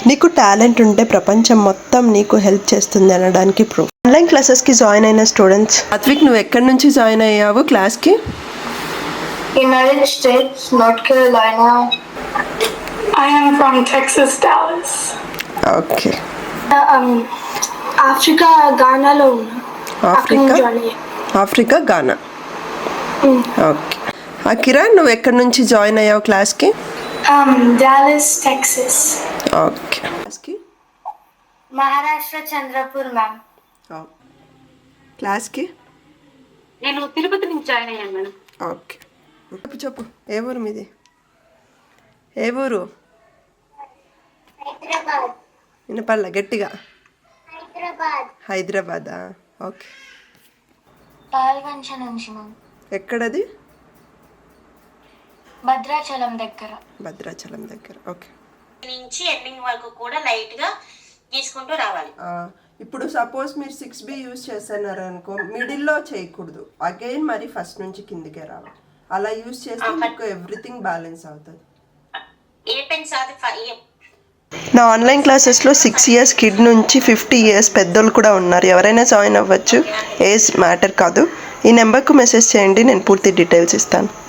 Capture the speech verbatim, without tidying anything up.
నీకు టాలెంట్ ఉంటే ప్రపంచం మొత్తం నీకు హెల్ప్ చేస్తుంది అనడానికి ప్రూఫ్. ఆన్లైన్ క్లాసెస్కి జాయిన్ అయిన స్టూడెంట్స్, అద్విక్ నువ్వు ఎక్కడి నుంచి జాయిన్ అయ్యావు క్లాస్కి? United States, North Carolina. I am from Texas, Dallas. Okay. Um, Africa, Ghana లో ఉన్నా. Africa Africa Ghana. Okay. Akira నువ్వు ఎక్కడి నుంచి జాయిన్ అయ్యావు క్లాస్కి? Um, Dallas, Texas. ఓకే. క్లాస్కి మహారాష్ట్ర చంద్రపూర్ మ్యామ్. క్లాస్కి నేను తిరుపతి నుంచి జాయిన్ అయ్యాను మేడం. ఓకే. చెప్పు చెప్పు ఏ ఊరు మీది? ఏ ఊరు? హైదరాబాద్. వినపల్ల గట్టిగా. హైదరాబాద్. హైదరాబాదా? ఓకే. పాల్వంచ నుంచి మ్యామ్. ఎక్కడది? భద్రాచలం దగ్గర. భద్రాచలం దగ్గర. ఓకే. నుంచి ఎండింగ్ వరకు కూడా లైట్ గా గీసుకుంటూ రావాలి. ఇప్పుడు సపోజ్ మీరు సిక్స్ బి యూజ్ చేస్తున్నారు అనుకో, మిడిల్లో చేయకూడదు, అగైన్ మరి ఫస్ట్ నుంచి కిందికే రావాలి. అలా యూజ్ చేస్తే మీకు ఎవ్రీథింగ్ బ్యాలెన్స్ అవుతుంది. ఏ పెన్స్ అది నా ఆన్లైన్ క్లాసెస్లో సిక్స్ ఇయర్స్ కిడ్ నుంచి ఫిఫ్టీ ఇయర్స్ పెద్దోళ్ళు కూడా ఉన్నారు. ఎవరైనా జాయిన్ అవ్వచ్చు, ఏజ్ మ్యాటర్ కాదు. ఈ నెంబర్కు మెసేజ్ చేయండి, నేను పూర్తి డీటెయిల్స్ ఇస్తాను.